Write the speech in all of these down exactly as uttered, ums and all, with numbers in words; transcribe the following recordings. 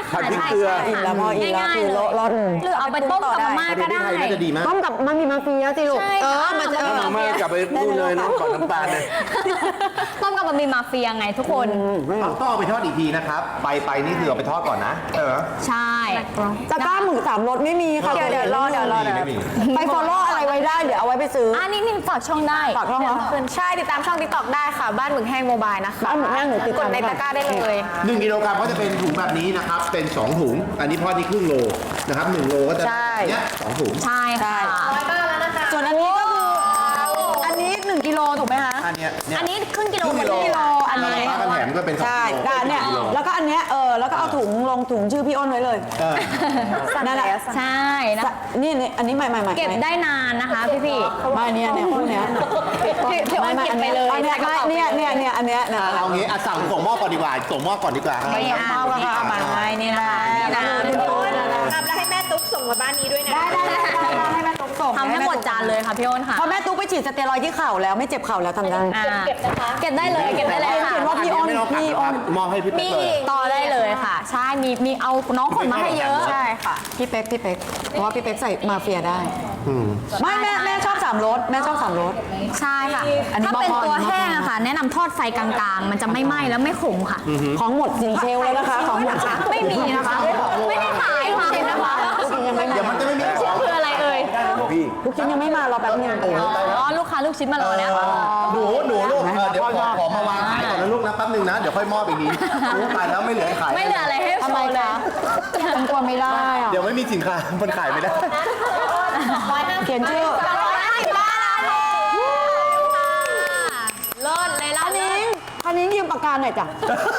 ผัดพริกเกลืออิ่มแล้วพออิ่มแล้วคือรอดหรือเอาไปต้มกับมาม่าก็ได้ไทยน่าจะดีมากต้มกับมันมีมาเฟียสิลูกใช่ค่ะมันจะถ้ามาม่ากลับไปนู่นเลยน้ำปลาน้ำตาลเลยต้มกับบะหมี่มาเฟียไงทุกคนต้องเอาไปทอดอีกทีนะครับ ไปไปนี่คือเอาไปทอดก่อนนะใช่ไหมใช่จะกล้าหมึกสามรสไม่มีค่ะเดี๋ยวเดี๋ยวรอเดี๋ยวรอไม่มีไปฟอลโล่อะไรไว้ได้เดี๋ยวเอาไว้ไปซื้ออันนี้นี่ฝากช่องได้ฝากช่องเหรอใช่ติดตามช่องติ๊กต็อกได้ค่ะ บ้านหมึกแห้งโมบายนะคะบ้านหมึกแห้งหนูติดกตามดในตะกร้าได้เลยหนึ่งกิโลกรัมก็จะเป็นถุงแบบนี้นะครับ เป็นสองถุง อันนี้พอดีครึ่งโลนะครับหนึ่งโลก็จะเนี้ยสองถุงใช่ค่ะส่วนอันนี้ก็คืออันนี้หนึ่งกิโลถูกไหมคะอันเนี้ยเนี่ยอันนี้ครึ่งกิโลครึ่งกิโลกิโลอันนี้ปลากันแถมก็เป็นสองใช่กิโลก็อันเนี้ยกิโลแล้วก็อันเนี้ยเออแล้วก็เอาถุงลงถุงชื่อพี่อ้นไว้เลยเออนั่นแหละใช่นะนี่นี่อันนี้ใหม่ใหม่ใหม่เก็บได้นานนะคะพี่พี่ไม่เนี่ยเนี่ยพวกเนี้ยพี่พี่อ้นเก็บไปเลยอันเนี้ยใส่กระเป๋าเนี่ยเนี่ยเนี่ยอันเนี้ยนะเอางี้อ่ะสั่งส่งหม้อก่อนดีกว่า ส่งหม้อก่อนดีกว่าไม่เอาเอาก็เอามาให้นี่นะนี่นะทำแล้วให้แม่ตุ๊กส่งมาบ้านนี้ด้วยนะได้ได้ได้ให้แม่ตุ๊กส่งทำให้หมดจานเลยค่ะพี่อ้นค่ะเพราะแม่ตุ๊กไปฉีดสเตียรอยด์ที่เข่าแล้วไม่เจ็บเข่าแล้วทำได้อ่าเก็บได้เลยเก็บได้เลยค่ะเห็นว่าพี่อ้นไม่ต้องตัดพี่นะคอ้รับนมอบให้พี่มีเป๊กเลยต่อได้เลยค่ะ ใช่มีมีเอาน้องคนมาให้เยอะใช่ค่ะพี่เป๊กพี่เป๊กเพราะว่าพี่เป๊กใส่มาเฟียได้อืมไม่แม่แม่ชอบสามรสแม่ชอบสามรสใช่ค่ะอันนี้ถ้าเป็นหม้อตัวอันนี้หม้อแห้งอะค่ะ แนะนำทอดไฟกลางๆ มันจะไม่ไหม้แล้วไม่ขมค่ะของหมดสินเชลแล้วนะคะของหมดไม่มีนะคะ ไม่ได้ขายค่ะนะคะลูกชิ้นยังไม่เดี๋ยวมามันจะไม่มีของคืออะไรเอ่ยพี่ลูกชิ้นยังไม่มารอแป๊บนึงอ๋อลูกค้าลูกชิ้นมารอแล้วหนูหนูลูกเออเดี๋ยวขอขอมาวางขายก่อนนะลูกนะแป๊บนึงนะ เดี๋ยวค่อยมอบอีกทีโอ้ตายแล้วไม่เหลือให้ขายไม่เหลืออะไรให้โชทำไมว์เลยคะฉันกลัวไม่ได้อะเดี๋ยวไม่มีสินค้ามันขายไม่ได้เขียนชื่อเลิศเลยล่ะอันนี้อันนี้ยืมปากกาหน่อยจ้ะ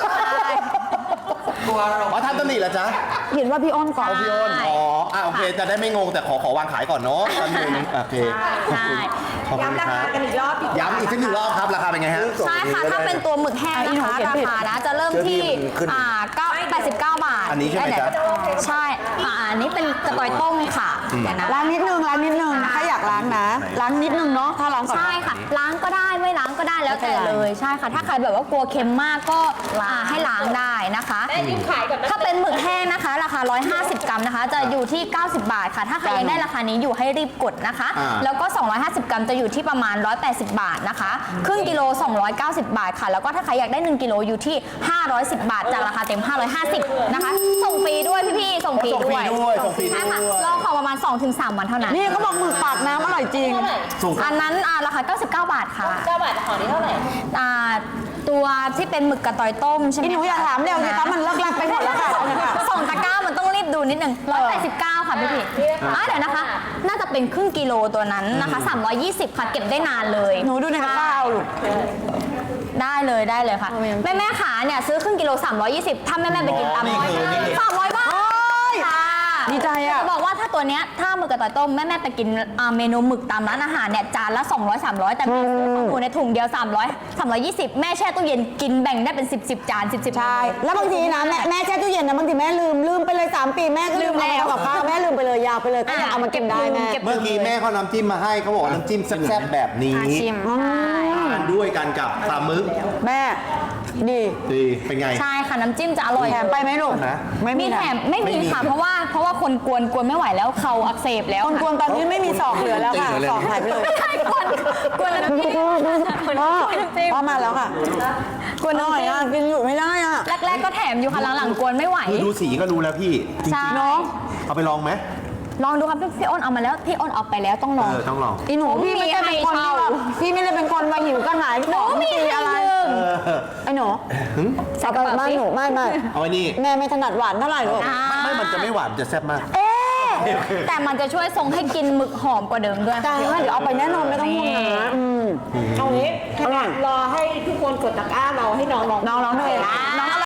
อ๋อทำตำหนิเหรอจ๊ะเห็นว่าพี่อ้นก่อนพี่อ้นอ๋ออ่ะโอเค จะได้ไม่งงแต่ขอขอวางขายก่อนเนาะแป๊บนึงโอเคขอบคุณขอบคุณย้ำราครัคาบกันอีกรอบอีกย้ำอีกสักหนึ่งรอบครับ ราคาเป็นไงฮะใช่ค่ะ ถ้าเป็นตัวหมึกแห้งนะคะราคานะจะเริ่มที่อ่าเก้าแปดสิบเก้าบาทอันนี้ใช่ไหมจ๊ะใช่อ่าอันนี้เป็นกระต่อยต้มค่ะเดี๋ยวนะล้างนิดนึงล้างนิดนึงถ้าอยากล้างนะล้างนิดนึงเนาะถ้าล้างก่อนใช่ค่ะ ล้างก็ได้ไม่ล้างก็ได้แล้วแต่เลยใช่ค่ะ ถ้าใครแบบว่ากลัวเค็มมากก็อ่าให้ล้างได้นะคะแม่ยิ้มขายกับแม่ถ้าเป็นหมึกแห้งนะคะ ราคาหนึ่งร้อยห้าสิบกรัมนะคะ จะอยู่ที่เก้าสิบบาทค่ะ ถ้าใครยังได้ราคานี้อยู่ให้รีบกดนะคะอ่าแล้วก็สองร้อยห้าสิบกรัมจะอยู่ที่ประมาณหนึ่งร้อยแปดสิบบาทนะคะครึ่งกิโลสองร้อยเก้าสิบบาทค่ะ แล้วก็ถ้าใครอยากได้หนึ่งกิโลอยู่ที่ห้าร้อยสิบบาทจากราคาเต็มห้าร้อยห้าสิบนะคะส่งฟรีด้วยพี่ๆส่งฟรีส่งฟรีด้วยด้วยส่งฟรีใช่ค่ะด้วยรอขอประมาณ สองถึงสาม วันเท่านั้นนี่เขาบอกหมึกปากน้ำอร่อยจริงส่งอันนั้นอ่าราคาเก้าสิบเก้าบาทค่ะเก้าบาทห่อนี้เท่าไหร่อ่าตัวที่เป็นหมึกกระต่อยต้มใช่ไหมอีหนูอย่าถามเร็วสิคะมันเลิกลักไปหมดแล้วค่ะเนี่ยค่ะส่งตะกร้ามันต้องรีบดูนิดนึงร้อยแปดสิบเก้าค่ะพี่พี่อ่าเดี๋ยวนะคะ น่าจะเป็นครึ่งกิโลตัวนั้นนะคะสามร้อยยี่สิบค่ะเก็บได้นานเลยหนูดูในตะกร้าเอาลูกได้เลยได้เลยค่ะแม่แม่ขาเนี่ยซื้อครึ่งกิโลสามร้อยยี่สิบถ้าแม่แม่ไปกินตามนี่คือนี่คือสามร้อยบาทค่ะดีใจอะจะบอกว่าถ้าตัวเนี้ยถ้าหมึกกระต่อยต้มแม่แม่ไปกินอ่าเมนูหมึกตามร้านอาหารเนี่ยจานละสองร้อย สามร้อยแต่แม่ซื้อของหนูในถุงเดียวสามร้อย สามร้อยยี่สิบแม่แช่ตู้เย็นกินแบ่งได้เป็นสิบ สิบจานสิบ สิบใช่ แล้วบางทีนะแม่แม่แช่ตู้เย็นนะบางทีแม่ลืมลืมไปเลยสามปีแม่ก็ลืมลืมแล้วเอามาทำกับข้าวแม่ลืมไปเลยยาวไปเลยก็ยังเอามาเก็บได้แม่เก็บเมื่อกี้แม่เขาน้ำจิ้มมาให้เขาบอกว่าน้ำจิ้มแซ่บๆแบบนี้ชิมทานด้วยกันกับปลาหมึกแม่ดีดีเป็นไงใช่ค่ะน้ำจิ้มจะอร่อยแถมไปไหมลูกนะไม่มีมีแถมไม่ไม่มีมีค่ะเพราะว่าเพราะว่าคนกวนกวนไม่ไหวแล้วเขาอักเสบแล้วคนกวนตอนนี้ไม่มีศอกเหลือแล้วค่ะเหลือเลยศอกหายไปเลยใช่กวนกวนน้ำจิ้มพ่อน้ำจิ้มพ่อมาแล้วค่ะกวนหน่อยอ่ะกินอยู่ไม่ได้อ่ะแรกๆก็แถมอยู่ค่ะหลังๆกวนไม่ไหวคือดูสีก็รู้แล้วพี่ จริงใช่เนาะๆเอาไปลองไหมลองดูครับพี่พี่อ้นเอามาแล้วพี่อ้นเอาไปแล้วต้องลเอองอต้องลองอีหนูพี่ไม่ได้เป็นคนที่แบบพี่ไม่ได้เป็นคนมาหิวก็หายหนูมีตีให้อะไรยืมเออไอ้หนูหึเอาไปบ้านหนูไม่ไม่เอาไว้นี่แม่ไม่ถนัดหวานเท่าไหร่ลูกอ่าไม่มันจะไม่หวานจะแซ่บมากเอ๊ะแต่มันจะช่วยทรงให้กินหมึกหอมกว่าเดิมด้วยจ้าเดี๋ยวเอาไปแน่นอนไม่ต้องห่วงนะอืมเอางี้อร่อยรอให้ทุกคนกดตะกร้าเราให้น้องลองน้องร้องเพลงน้อง